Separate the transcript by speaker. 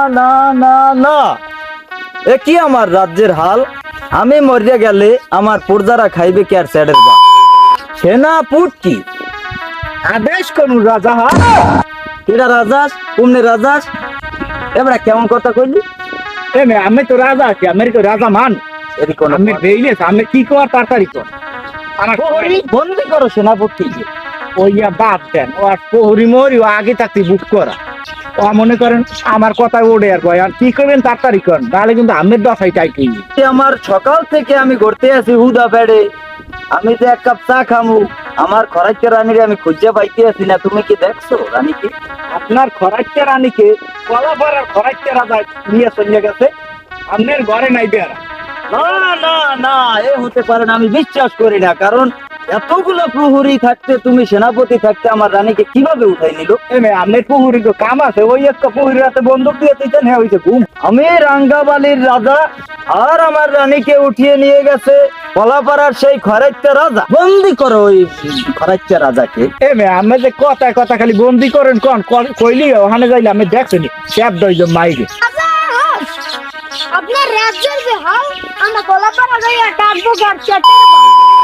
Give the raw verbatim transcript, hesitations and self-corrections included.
Speaker 1: না না না, এ কি আমার রাজ্যের হাল? আমি মরিয়া গেলে আমার প্রজারা খাইবে কি আর স্যাডের বা সেনাপুট কি
Speaker 2: আদেশ কোন রাজা হা
Speaker 1: এটা রাজাস কুমনে রাজাস এবারে কেমন কথা কইলি?
Speaker 2: এমে আমি তো রাজা আছি, আমি তো রাজা মান।
Speaker 1: এদি কোন
Speaker 2: আমি বেইলে আমি কি কর তাড়াতাড়ি কর। আমার
Speaker 1: প্রহরী বন্দি করো সেনাপুট কি?
Speaker 2: ওইয়া বাদ দেন, ও আর প্রহরী মরি ও আগে থাকতে বুক করা। ও মনে করেন আমার কথা ওড়ে আর কয় আর কি করবেন তাড়াতাড়ি করেন, তাহলে কিন্তু আমের দশাই টাইটেই
Speaker 1: এ আমার সকাল থেকে আমি ঘুরতে আছি হুদা বেড়ে, আমি যে এক কাপ চা খামু আমার খরাইতে রানীরে আমি খুঁজে পাইতে আছি না। তুমি কি দেখছো রানীকে?
Speaker 2: আপনার খরাইতে রানীকে কলাপাড়ার খরাইতে রাজা নিয়ে চলে গেছে, আপনার ঘরে নাই বেড়া।
Speaker 1: না না না, এ হতে পারে না, আমি বিশ্বাস করি না। কারণ এতগুলো প্রহরী থাকতে তুমি সেনাপতি থাকতে আমার রানীকে কিভাবে উঠাই নিল?
Speaker 2: এমে আপনার প্রহরী তো কাম আছে, ওই একটা প্রহরীর হাতে বন্দুক দিয়ে দিতেন, হ্যাঁ হয়েছে ঘুম।
Speaker 1: আমি রাঙ্গাবালির রাজা আর আমার রানীকে উঠিয়ে নিয়ে গেছে কলাপাড়ার সেই খরাইতে রাজা। বন্দি করো ওই খরাইতে রাজাকে।
Speaker 2: এমে আমি যে কথায় কথা খালি বন্দি করেন কোন কইলি ওখানে যাইলে আমি দেখছিনি স্যাপ দইজ মাইরে।
Speaker 3: আপনার রাজ্যের যে হাল, আমরা গোলাপাড়া যাইয়া ডাকবো গাছ